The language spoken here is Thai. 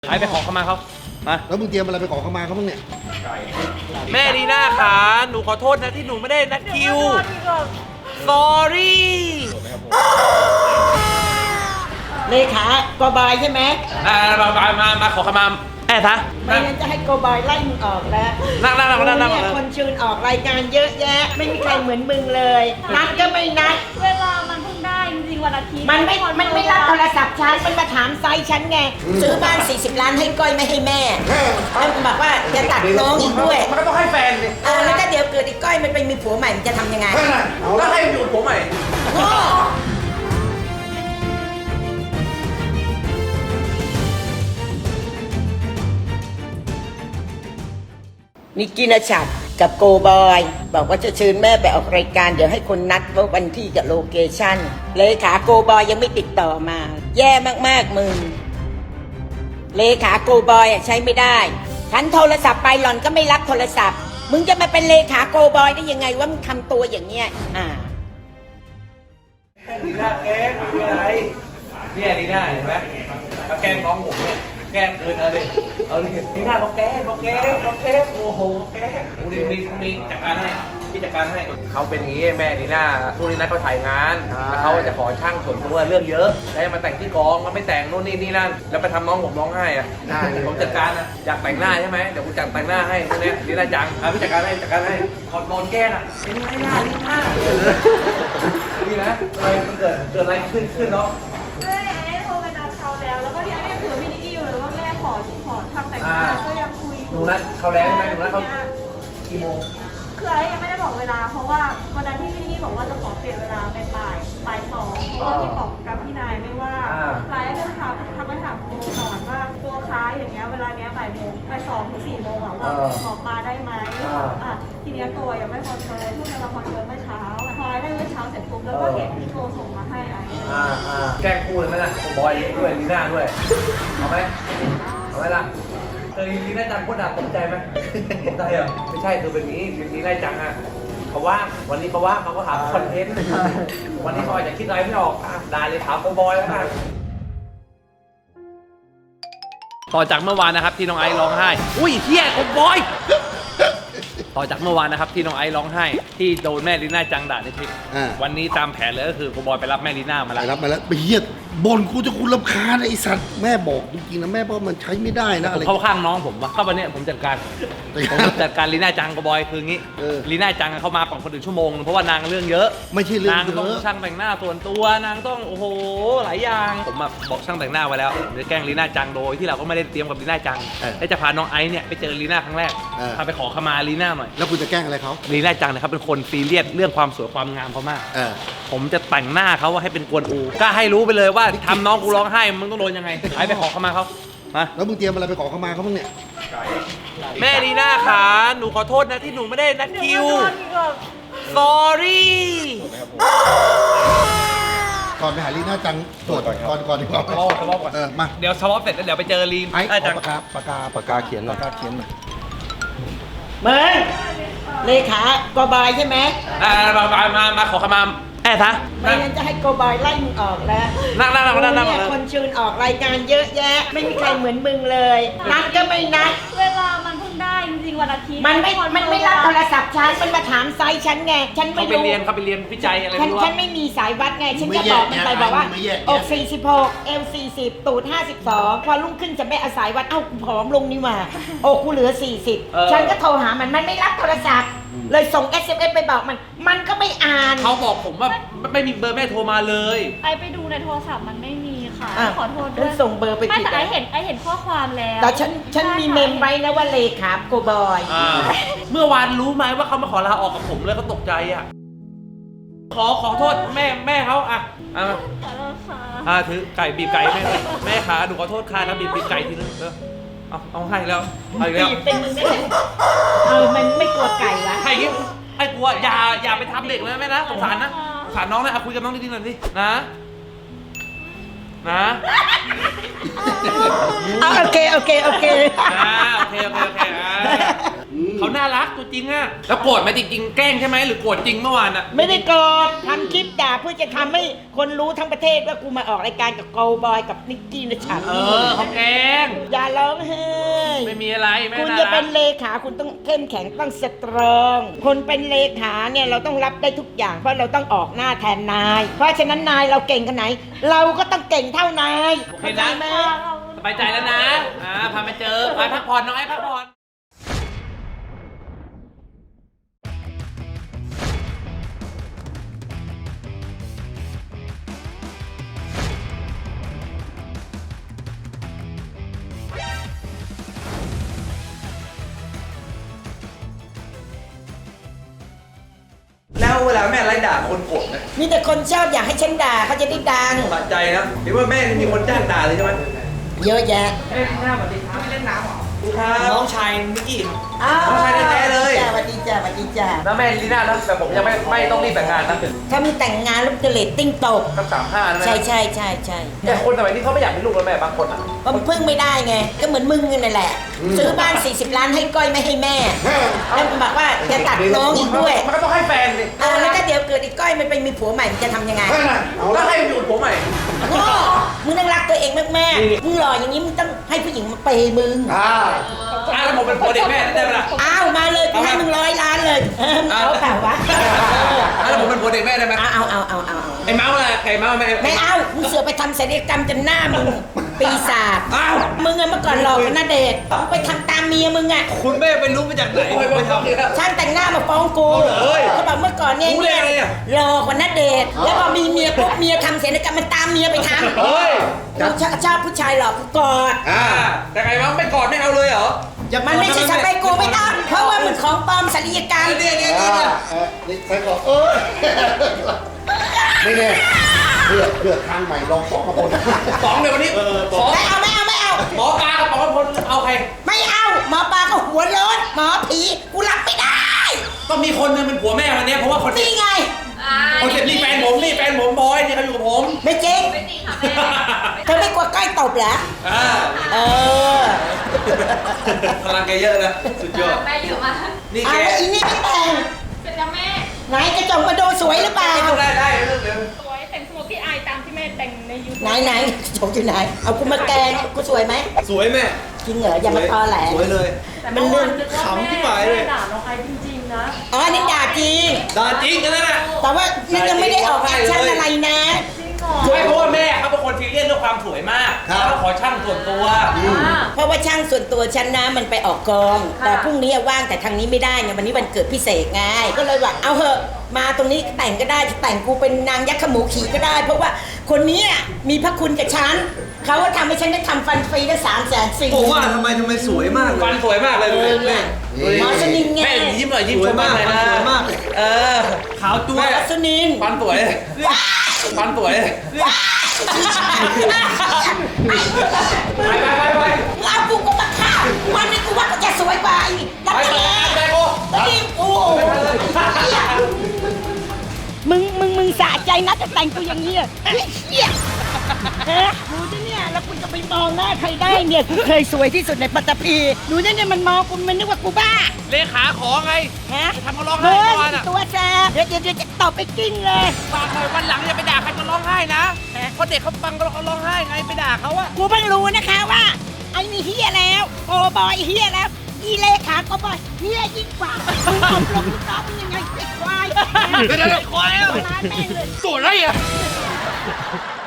ไปขอเข้ามาเขามาแล้วมึงเตรียมอะไรไปขอเข้ามาเขาบ้างเนี่ยแม่ดีน่าค่ะหนูขอโทษนะที่หนูไม่ได้นัดคิว sorry เลขากบายใช่ไหมมาขอเข้ามาแม่ทะไม่งั้นจะให้กบายไล่มึงออกแล้วนั่งเนี่ยคนชื่นออกรายการเยอะแยะไม่มีใครเหมือนมึงเลยนัดก็ไม่นัดเวลามันเพิ่งได้จริงๆวันอาทิตย์มันไม่รับโทรศัพท์ฉันมันมาถามไซส์ฉันไงซื้อบ้าน40 ล้านให้ก้อยไม่ให้แม่แล้วบอกว่าจะตัดน้องอีกด้วยมันก็ต้องให้แฟนสิแล้วก็เดี๋ยวเกิดไอ้ก้อยมันไปมีผัวใหม่มันจะทำยังไงก็ให้อยู่ผัวใหม่นิกกี้นชัดกับโกบอยบอกว่าจะเชิญแม่ไปออกรายการเดี๋ยวให้คนนัดว่าวันที่กับโลเคชั่นเลขาโกบอยยังไม่ติดต่อมาแย่มากๆมึงเลขาโกบอยใช้ไม่ได้ฉันโทรศัพท์ไปหล่อนก็ไม่รับโทรศัพท์มึงจะมาเป็นเลขาโกบอยได้ยังไงว่ามึงทำตัวอย่างเงี้ยดีน่าแกล้งคืออะไรเนี่ยดีน่าเห็นไหมมาแกล้งน้องผมเนี่ยแกล้งเกินเอาดิดีน่าบอกแกล้งโอ้โหแกล้งมีจัดการให้พี่จัดการให้เขาเป็นอย่างนี้แม่ดีน่าพรุ่งนี้นัดเขาถ่ายงานแล้วเขาจะขอช่างส่วนตัวเรื่องเยอะแล้วมาแต่งที่กองมันไม่แต่งนู่นนี่นั่นแล้วไปทำน้องผมร้องไห้อ่ะผมจัดการนะอยากแต่งหน้าใช่ไหมเดี๋ยวกูจัดแต่งหน้าให้พวกนี้ดีน่าจังพี่จัดการให้ขอโดนแกล้งอ่ะเป็นไงล่ะดีน่านี่นะอะไรมันเกิดอะไรขึ้นเนาะแม่โทรไปนัดเขาแล้วก็ที่แม่ถือมินิกี้อยู่เลยว่าแม่ขอทำแต่งหน้าก็ยังคุยหนูนัดเขาแล้วใช่ไหมหนูนัดเขากี่โมงคือไอ้ยังไม่ได้บอกเวลาเพราะว่าวันนั้นที่มินิกี้บอกว่าจะขอเปลี่ยนเวลาเป็นบ่ายสองเพราะว่าที่บอกกับพี่นายไม่ว่าไลน์ก็ทำมาถามตัวก่อนว่าตัวค้าอย่างเงี้ยเวลาเนี้ยบ่าย 2 ถึง 4 โมงว่าขอมาได้ไหมทีเนี้ยตัวยังไม่คอนเฟิร์มพวกเราคอนเฟิร์มเมื่อเช้าพอได้เมื่อเช้าเสร็จปุ๊บแล้วก็เห็นพี่โทรส่งมาให้ไอ้แกล้งพูดเลยไหมล่ะบอยด้วยลีน่าด้วยเอาไหมล่ะเคยลีน่าจังพูดด่าตกใจไหมตกใจเหรอไม่ใช่คือเป็นนี้ลีน่าจังอ่ะเขาว่างวันนี้เขาว่างเขาก็หาคอนเทนต์วันนี้เขาอาจจะคิดอะไรไม่ออกด่าเลยถามโกบอยแล้วกันต่อจากเมื่อวานนะครับที่น้องไอซ์ร้องไห้อุ้ยเฮียโกบอยต่อจากเมื่อวานนะครับที่น้องไอซ์ร้องไห้ที่โดนแม่ลีน่าจังด่าในคลิปวันนี้ตามแผนเลยก็คือโกบอยไปรับแม่ลีน่ามาแล้วไปเฮียบ่นกูจะคุณรำคาญไอ้สัตว์แม่บอกจริงๆนะแม่บอกมันใช้ไม่ได้นะอะไรเข้าข้างน้องผมว่าเข้าวันนี้ผมจัดการลีน่าจังโกบอยคืองี้ลีน่าจังเขามาก่อนคนอื่นชั่วโมงเพราะว่านางเรื่องเยอะไม่ใช่เรื่องนางต้องช่างแต่งหน้าส่วนตัวนางต้องโอ้โหหลายอย่างผมบอกช่างแต่งหน้าไว้แล้วเดี๋ยวแกล้งลีน่าจังโดยที่เราก็ไม่ได้เตรียมกับลีน่าจังและจะพาน้องไอซ์เนี่ยไปเจอลีน่าครั้งแรกพาไปขอขมาลีน่าหน่อยแล้วคุณจะแกล้งอะไรเขาลีน่าจังนะครับเป็นคนซีเรียสเรื่องความสวยความงามเขามากผมจะแต่งหน้าเขาว่าให้เป็นกวนอูก็ให้รู้ไปเลยว่าทำน้องกูร้องไห้มึงต้องโดนยังไงไปขอขมาเขามาแล้วมึงเตรียมอะไรไปขอเข้ามาเขาบ้างเนี่ยแม่ดีน่าค่ะหนูขอโทษนะที่หนูไม่ได้นัดคิว sorry ก่อนไปหาลีน่าจังตรวจก่อนดีกว่าสวอปก่อนมาเดี๋ยวสวอปเสร็จแล้วเดี๋ยวไปเจอลีน่าจังปากกาเขียนหน่อยมึงเลขากบายใช่ไหมมาขอขมาแม่ทะไม่งั้นจะให้โกบายไล่มึงออกแล้วนั่งเนี่ยคนชื่นออกรายการเยอะแยะไม่มีใครเหมือนมึงเลยนัดก็ไม่นัดเวลามันเพิ่งได้จริงๆวันอาทิตย์มันไม่รับโทรศัพท์ฉันมันมาถามไซส์ฉันไงฉันไม่รู้เขาไปเรียนวิจัยอะไรไม่รู้ฉันไม่มีสายวัดไงฉันจะบอกมันไปบอกว่าอก46เอว40ตูด52พอรุ่งขึ้นจะไม่อาศัยวัดเอ้าผอมลงนี่มาอกกูเหลือ40ฉันก็โทรหามันไม่รับโทรศัพท์เลยส่ง SMS ไปบอกมันก็ไม่อ่านเขาบอกผมว่าไม่มีเบอร์แม่โทรมาเลยไอไปดูในโทรศัพท์มันไม่มีค่ะขอโทษด้วยส่งเบอร์ไปผิดแต่ไอเห็นข้อความแล้วแต่ฉันมีเมมไว้นะว่าเลขาโกบอยเมื่อวานรู้ไหมว่าเขามาขอลาออกกับผมเลยเขาตกใจอ่ะขอโทษแม่เขาอ่ะขอโทษค่ะถือไก่บีบไก่แม่ขาหนูขอโทษค่ะนะบีบไก่ทีนึงเอาให้แล้วเอาอีกแล้วเป็นมึงได้มันไม่กลัวไก่ละให้ยิ้มให้กลัวอย่าไปทำเด็กเลยแม่นะสงสารนะสงสารน้องนะคุยกับน้องดีๆหน่อยสินะโอเคโอเคเขาน่ารักตัวจริงอะแล้วโกรธไหมจริงๆแกล้งใช่ไหมหรือโกรธจริงเมื่อวานอะไม่ได้โกรธทำคลิปด่าเพื่อจะทำให้คนรู้ทั้งประเทศว่ากูมาออกรายการกับโกบอยกับนิกกี้นะฉันเขาแกล้งอย่าร้องไห้ไม่มีอะไรแม่คุณน่าจะรัเป็กนเลขาคุณต้องเข้มแข็งต้องสตรอง คนเป็นเลขาเนี่ยเราต้องรับได้ทุกอย่างเพราะเราต้องออกหน้าแทนนาย เพราะฉะนั้นนายเราเก่งขนาดไหน เราก็ต้องเก่งเท่านายโอเคเข้าใจนะไหมสบายใจแล้วนะพามาเจอพาพักผ่อนน้องไอ้พักผ่อนแล้วเวลาแม่ไล่ด่าคนโกรธนะมีแต่คนชอบอยากให้ฉันด่าเขาจะได้ดังสะใจนะเห็นว่าแม่มีคนจ้างด่าเลยใช่ไหมเยอะแยะน้องชายมิกกี้อ้าวน้องชายแท้ๆเลยจ้าสวัสดีจ้าสวัสดีจ้าแล้วแม่ลีน่านะแต่ผมยังไม่ต้องรีบแต่งงานนะถ้ามึงแต่งงานแล้วจะเรตติ้งตกสัก35นะแม่ใช่ใช่ใช่ใช่แต่คนสมัยนี้เขาไม่อยากมีลูกแล้วแม่บางคนอ่ะก็มันพึ่งไม่ได้ไง ก็เหมือนมึงนั่นแหละ ซื้อบ้าน 40 ล้านให้ก้อยไม่ให้แม่ แล้วมันบอกว่าจะตัดน้องอีกด้วยมันก็ต้องให้แฟนสิแล้วถ้าเดี๋ยวเกิดอีกก้อยมันไปมีผัวใหม่มันจะทำยังไงแล้วให้อยู่กับผมใหม่โง่มึงต้องรักตัวเองมากๆมึงหล่ออย่างนี้มึงต้องให้ผู้หญิงมาเปย์มึงแล้วผมเป็นผัวเด็กแม่ได้ไหมล่ะอ้าวมาเลยกูให้มึง100 ล้านเลยเอาเปล่าวะแล้วผมเป็นผัวเด็กแม่ได้ไหมเอาไอ้เมาส์อะไรไอ้เมาส์แม่ไม่เอามึงเสือไปทำศัลยกรรมจนหน้ามึงปีศาจอ้าวมึงอะเมื่อก่อนหลอกกันนะเดชน์มึงไปทำตามเมียมึงอะคุณแม่ไปรู้มาจากไหนไปทำเนี่ยช่างแต่งหน้ามาฟ้องกูเฮ้ยเขาบอกเมื่อก่อนเนี่ยรู้ได้ไงอะหลอกกว่านัดเดทแล้วพอมีเมียปุ๊บเมียทำศัลยกรรมมันตามเมียไปทำเฮ้ยกูชอบผู้ชายหลอกกูกอดแต่ไอ้เมาส์ไม่กอดไม่เอาเลยเหรอมันไม่ใช่สเปคกูไม่ต้องเพราะว่ามันของปลอมศัลยกรรมเนี่ยนี่ใส่ก่อนไม่แน่เลือกทางใหม่ลองสองกับคนสองเดี๋ยววันนี้สองไม่เอาหมอปลากับหมอพลเอาใครไม่เอาหมอปลาก็หัวโล้นหมอผีกูรับไม่ได้ต้องมีคนนึงเป็นผัวแม่วันนี้เพราะว่าคนนี่ไงคนเจ็บนี่แฟนผมบอยนี่เขาอยู่กับผมไม่จริงเธอไม่กลัวใกล้ตบเหรอเออพลังแกเยอะนะสุดยอดแม่อยู่มานี่เอาแกแล้วอีนี่ไม่แต่งเป็นจ้าแม่ไหนกระจกมาดูสวยหรือเปล่าได้เรื่องเดิมสวยแต่งสโมกี้อายตามที่แม่แต่งในยูทูบไหนโฉมอยู่ไหน เอากูมาแกงกูสวยไหมสวยแม่จริงเหรออย่ามาตอแหลสวยเลยแต่เมื่อวานนึกว่าขำที่แม่หมายเลยด่าน้องไอซ์จริงๆนะอ๋ออันนี้ด่าจริงด่าจริงกันแล้วนะแต่ว่านี่ยังไม่ได้ออกแอคชั่นอะไรนะจริงเหรอไม่เพราะว่าแม่เขาเป็นคนซีเรียสเรื่องความสวยมากแล้วขอช่างส่วนตัวเพราะว่าช่างส่วนตัวฉันนะมันไปออกกอง แต่พรุ่งนี้ว่างแต่ทางนี้ไม่ได้ไงวันนี้วันเกิดพี่เสกไงก็เลยว่าเอาเหอะมาตรงนี้แต่งก็ได้จะแต่งกูเป็นนางยักษ์ขมูขี่ก็ได้ เพราะว่าคนนี้มีพระคุณกับฉันเขาก็ทำให้ฉันได้ทำฟันฟรีได้340,000 ผมว่าทำไมสวยมากเลฟัยนสวยมากเลยแม่หมอสนินไงแม่ยิ้มหน่อยยิ้มสชวยมมากเลยนะสวยมากขาวจั๊วหมอสนินฟันสวยฟันสวยไปเอากูก็มาฆ่าวันนี้กูว่ากูจะสวยกว่าอีกดับไปเบิลไปโก้แล้วนี่โอ้มึงสะใจนะจะแต่งตัวอย่างนี้อ่ะไอ้เหี้ยดูดิเนี่ยแล้วคุณจะไปมองหน้าใครได้เนี่ยกูเคยสวยที่สุดในปัตตภีดูเนี่ยมันมองกูมันนึกว่ากูบ้าเลขาขอไงฮะทำเขาร้องไห้เมื่อวานอะตัวแซ่บเดี๋ยวจะตบไปกิ้งเลยฝากหน่อยวันหลังอย่าไปด่าใครก็ร้องไห้นะเพราะเด็กเขาฟังเขาร้องไห้ไงไปด่าเขาอะกูเพิ่งรู้นะคะว่าไอ้นี่เฮียแล้วโกบอยเฮียแล้วอีเลขาโกบอยเฮียยิ่งกว่ามึงตบลงลูกน้องมึงยังไงไอ้ควายเดี๋ยวควายอะร้านแม่งเลยตัวอะไรอะ